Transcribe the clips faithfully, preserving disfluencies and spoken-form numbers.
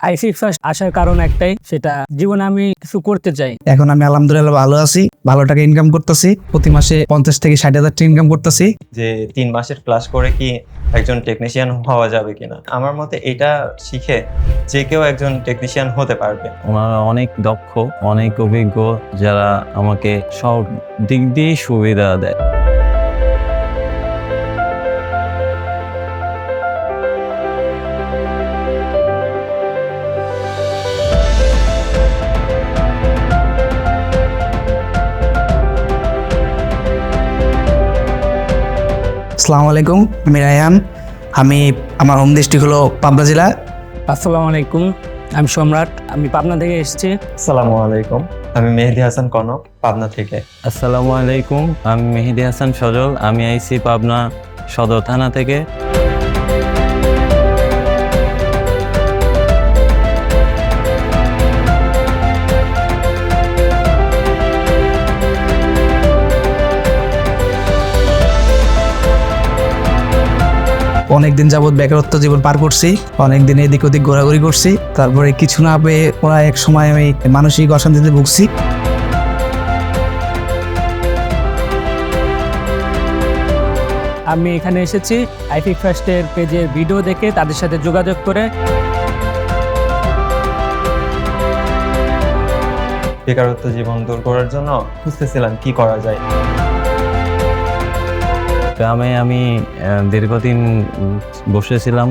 আইসি first আসার কারণ একটাই, সেটা জীবনে আমি কিছু করতে চাই। এখন আমি আলহামদুলিল্লাহ ভালো আছি, ভালো টাকা ইনকাম করতেছি, প্রতি মাসে পঞ্চাশ থেকে ষাট হাজার টাকা ইনকাম করতেছি। যে তিন মাসের ক্লাস করে কি একজন টেকনিশিয়ান হওয়া যাবে কিনা, আমার মতে এটা শিখে যে কেউ একজন টেকনিশিয়ান হতে পারবে। ওনারা অনেক দক্ষ, অনেক অভিজ্ঞ, যারা আমাকে সব দিক দিয়ে সুবিধা দেয়। আসসালামু আলাইকুম, আমি রায়হান। আমি আমার হোম ডিস্ট্রিক্ট হলো পাবনা জেলা। আসসালামু আলাইকুম, আমি সম্রাট, আমি পাবনা থেকে এসেছি। আসসালামু আলাইকুম, আমি মেহেদি হাসান কনক, পাবনা থেকে। আসসালামু আলাইকুম, আমি মেহেদি হাসান সজল, আমি আইসি পাবনা সদর থানা থেকে। অনেকদিন যাবৎ বেকারত্ব জীবন পার করছি, অনেকদিন এদিক ওদিক ঘোরাঘুরি করছি, তারপরে কিছু না পেয়ে ওরা এক সময় আমি মানসিক অশান্তিতে ভুগছি। আমি এখানে এসেছি আইফিক ফার্স্টের পেজের ভিডিও দেখে তাদের সাথে যোগাযোগ করে। বেকারত্ব জীবন দূর করার জন্য খুঁজতেছিলাম কি করা যায়। গ্রামে আমি আহ, দীর্ঘদিন বসেছিলাম।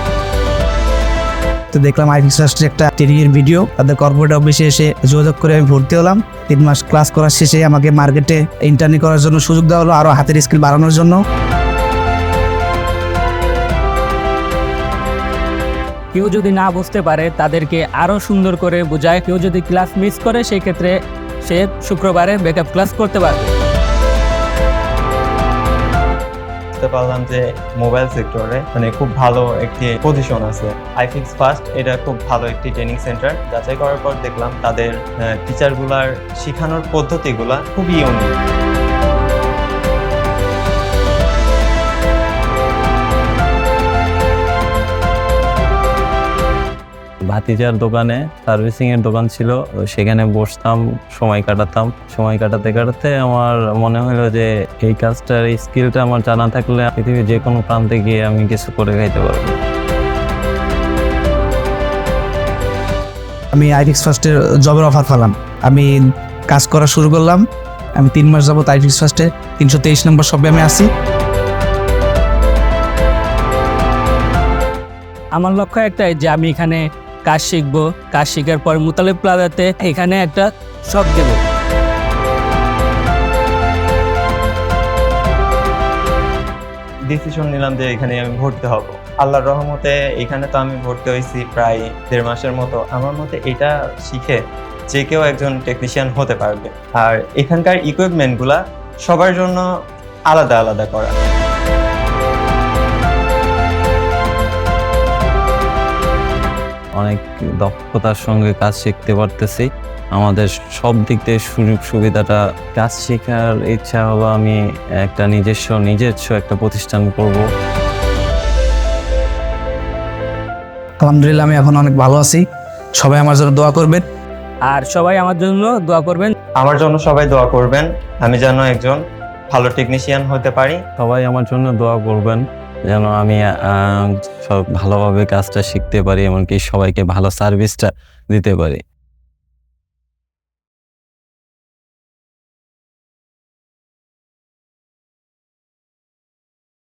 তো দেখলাম আইফিক্স ফার্স্টের একটা ট্রেনিং এর ভিডিও, তাদের কর্পোরেট অফিসে এসে যোগাযোগ করে আমি ভর্তি হলাম। তিন মাস ক্লাস করার শেষে আমাকে মার্কেটে ইন্টার্নি করার জন্য সুযোগ দেওয়া হলো, আরো হাতের স্কিল বাড়ানোর জন্য। কেউ যদি না বুঝতে পারে তাদেরকে আরো সুন্দর করে বোঝায়। কেউ যদি ক্লাস মিস করে সেই ক্ষেত্রে সে শুক্রবারে ব্যাকআপ ক্লাস করতে পারবে। বুঝতে পারলাম যে মোবাইল সেক্টরে মানে খুব ভালো একটি পজিশন আছে। আইফিক্স ফার্স্ট এটা খুব ভালো একটি ট্রেনিং সেন্টার। যাচাই করার পর দেখলাম তাদের টিচারগুলার শেখানোর পদ্ধতিগুলা খুবই ইউনিক। ভাতিজার দোকানে সার্ভিসিং এর দোকান ছিল, সেখানে বসতাম, সময় কাটাতাম। সময় কাটাতে কাটাতে আমার মনে হলো যে এই কাজটার এই স্কিলটা আমার জানা থাকলে পৃথিবীর যে কোনো প্রান্তে গিয়ে আমি কিছু করে খাইতে পারবো। আমি আইফিক্স ফার্স্টের জবের অফার পেলাম, আমি কাজ করা শুরু করলাম। আমি তিন মাস যাবত আইফিক্স ফার্স্টে তিনশো তেইশ নম্বর শপে আমি আছি। আমার লক্ষ্য একটাই যে আমি এখানে কাজ শিখবো, কাজ শেখার পর মুতালিব প্লাজাতে এখানে একটা শপ দেব। ডিসিশন নিলাম যে এখানে আমি ভর্তি হব। আল্লাহর রহমতে এখানে তো আমি ভর্তি হয়েছি প্রায় দেড় মাসের মতো। আমার মতে এটা শিখে যে কেউ একজন টেকনিশিয়ান হতে পারবে। আর এখানকার ইকুইপমেন্টগুলা সবার জন্য আলাদা আলাদা করা। অনেক দক্ষতার সঙ্গে কাজ শিখতে পারতেছি। আমাদের সব দিক থেকে সুযোগ সুবিধাটা, কাজ শেখার ইচ্ছা হলো আমি একটা নিজস্ব নিজস্ব একটা প্রতিষ্ঠান করব। আলহামদুলিল্লাহ আমি এখন অনেক ভালো আছি, সবাই আমার জন্য দোয়া করবেন। আর সবাই আমার জন্য দোয়া করবেন। আমার জন্য সবাই দোয়া করবেন, আমি যেন একজন ভালো টেকনিশিয়ান হতে পারি। সবাই আমার জন্য দোয়া করবেন যেন আমি আহ, সব ভালোভাবে কাজটা শিখতে পারি, এমনকি সবাইকে ভালো সার্ভিসটা দিতে পারি।